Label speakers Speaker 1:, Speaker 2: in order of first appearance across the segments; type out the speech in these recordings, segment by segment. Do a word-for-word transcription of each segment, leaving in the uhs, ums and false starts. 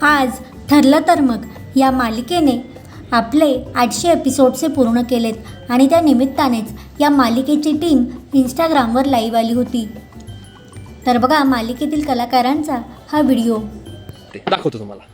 Speaker 1: आज ठरलं तर मग या मालिकेने आपले आठशे एपिसोडचे पूर्ण केलेत आणि त्या निमित्तानेच या मालिकेची टीम इंस्टाग्रामवर लाईव्ह आली होती. तर बघा मालिकेतील कलाकारांचा हा व्हिडिओ
Speaker 2: दाखवतो तुम्हाला.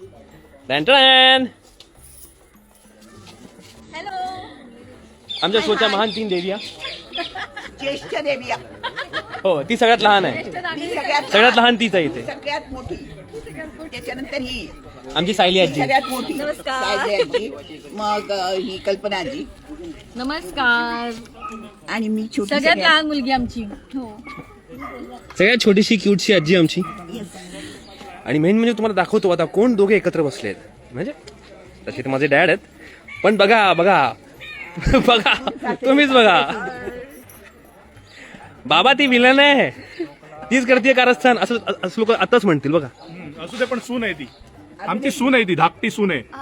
Speaker 3: हॅलो,
Speaker 2: आमच्या शोच्या महान तीन देविया.
Speaker 4: ज्येष्ठ देविया.
Speaker 2: हो, ती सगळ्यात लहान आहे.
Speaker 4: ही सगळ्यात
Speaker 2: सगळ्यात लहान तीच आहे इथे.
Speaker 4: सगळ्यात मोठी. त्याच्यानंतर ही
Speaker 2: आमची सायली
Speaker 4: ही
Speaker 2: आजी.
Speaker 4: सगळ्यात मोठी.
Speaker 3: नमस्कार.
Speaker 4: सायली आजी. मग अ, ही कल्पना आजी
Speaker 3: नमस्कार.
Speaker 4: आणि मी छोटी
Speaker 3: सगळ्यात लहान मुलगी आमची. हो,
Speaker 2: सगळ्यात छोटीशी क्यूटशी आजी आमची. आणि मेन म्हणजे तुम्हाला दाखवतो आता कोण दोघे एकत्र बसलेत. म्हणजे तसे तर माझे डॅड आहेत, पण बघा बघा बघा तुम्हीच बघा. बाबा ती विलन आहे, तीच करते कारस्थान असं असं लोक आताच म्हणतील बघा.
Speaker 5: असू दे, पण सून आहे ती. आमची सून आहे ती, धाकटी सून आहे.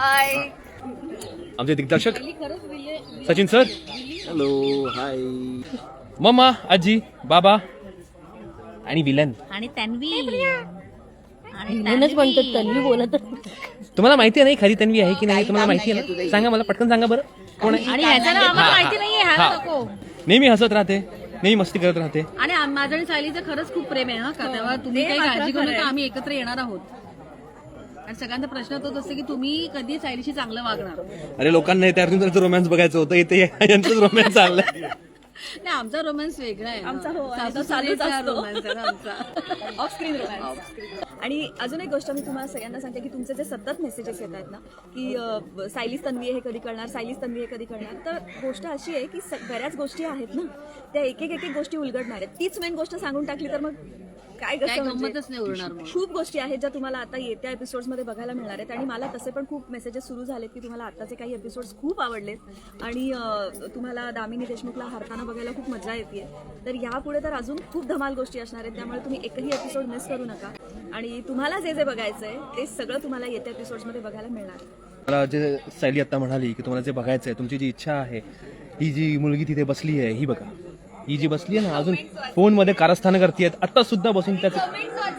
Speaker 2: आमचे दिग्दर्शक सचिन सर. Hello, hi. मम्मा, आजी, बाबा आणि विलन.
Speaker 3: आणि तन्वी.
Speaker 1: म्हणूनच म्हणतात तन्वी बोलत.
Speaker 2: तुम्हाला माहिती नाही खरी तन्वी आहे की नाही? तुम्हाला माहिती आहे ना? सांगा मला, पटकन सांगा बरं. कोण आहे?
Speaker 3: आणि ह्याचं नाव आम्हाला माहिती नाहीये.
Speaker 2: हा.
Speaker 3: ह्याला नको.
Speaker 2: नेहमी हसत राहते, नेहमी मस्ती करत राहते.
Speaker 3: आणि आम- माझं आणि सायलीचं खरंच खूप प्रेम आहे हा का, तेव्हा तुम्ही काही काळजी करू नका, आम्ही एकत्र येणार आहोत. आणि सगळ्यांचा प्रश्न तोच असतो की तुम्ही कधी सायलीशी चांगलं वागणार.
Speaker 2: अरे लोकांना इथे अर्जुन सरचं रोमॅन्स बघायचं होतं, इथे यांचंच रोमॅन्स चाललंय.
Speaker 3: नाही, आमचा रोमॅन्स वेगळा आहे.
Speaker 6: आमचा हो, आणि
Speaker 3: सासू
Speaker 6: तो चालूच
Speaker 3: सुनेचा
Speaker 6: असतो.
Speaker 3: romance आहे ना आमचा.
Speaker 6: ऑफ स्क्रीन आणि अजून एक गोष्ट मी तुम्हाला सगळ्यांना सांगते की तुमचे जे सतत मेसेजेस येत आहेत ना की अ, सायलीस तन्वी हे कधी करणार, सायलीस तन्वी हे कधी करणार, तर गोष्ट अशी आहे की स- बऱ्याच गोष्टी आहेत ना, त्या एक एक एक एक गोष्टी उलगडणार आहेत. तीच मेन गोष्ट सांगून टाकली तर मग काय
Speaker 3: काय
Speaker 6: कसं म्हणजे
Speaker 3: गंमतच नाही उरणार मग.
Speaker 6: खूप गोष्टी आहेत ज्या तुम्हाला आता येत्या एपिसोड्समध्ये बघायला मिळणार आहेत. आणि मला तसे पण खूप मेसेजेस सुरू झालेत की तुम्हाला आताचे काही एपिसोड्स खूप आवडलेत आणि अ, तुम्हाला दामिनी देशमुखला हारताना बघायला खूप मजा येते. तर यापुढे तर अजून खूप धमाल गोष्टी असणार आहेत, त्यामुळे तुम्ही एकही एपिसोड मिस करू नका. आणि तुम्हाला जे जे बघायचं आहे ते सगळं तुम्हाला येत्या एपिसोड्समध्ये बघायला मिळणार आहे.
Speaker 2: मला जे सायली आता म्हणाली की तुम्हाला जे बघायचं आहे, तुमची जी इच्छा आहे, ही जी मुलगी तिथे बसली आहे, ही बघा. ही जी बसली आहे ना, अजून फोन मध्ये कारस्थानं करते, आता सुद्धा बसून त्याचं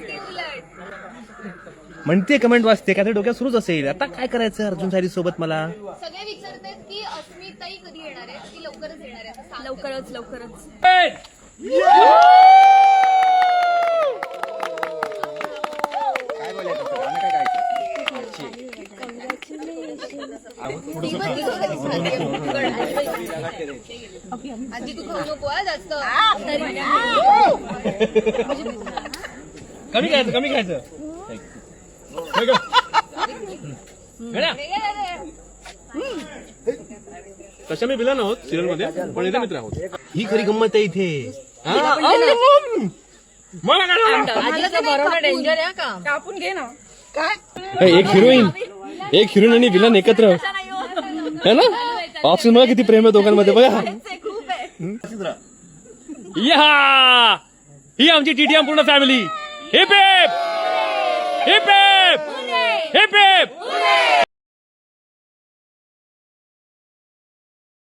Speaker 2: म्हणते, कमेंट वाचते, काय डोक्यात सुरूच असेल. आता काय करायचं अर्जुन सायली सोबत? मला
Speaker 7: सगळे विचारतात की अस्मिताई कधी येणार आहे, ती लवकरच येणार आहे असं सांग.
Speaker 6: लवकरच लवकरच
Speaker 7: आजी तू खाऊ नको हा जास्त.
Speaker 2: कमी खायचं, कमी खायचं. तशा मी विलन आहोत सिरियल मध्ये, पण इथे मित्र आहोत. ही खरी गंमत आहे इथे. हा? मला काय
Speaker 3: डेंजर आहे का.
Speaker 6: कापून घे ना.
Speaker 2: एक हिरोईन एक हिरोईन आणि विलन एकत्र है ना. ऑप्शन मला किती प्रेम आहे दोघांमध्ये बघा. या ही आमची टीटीएम पूर्ण family. Hip hip hip hip hip heap.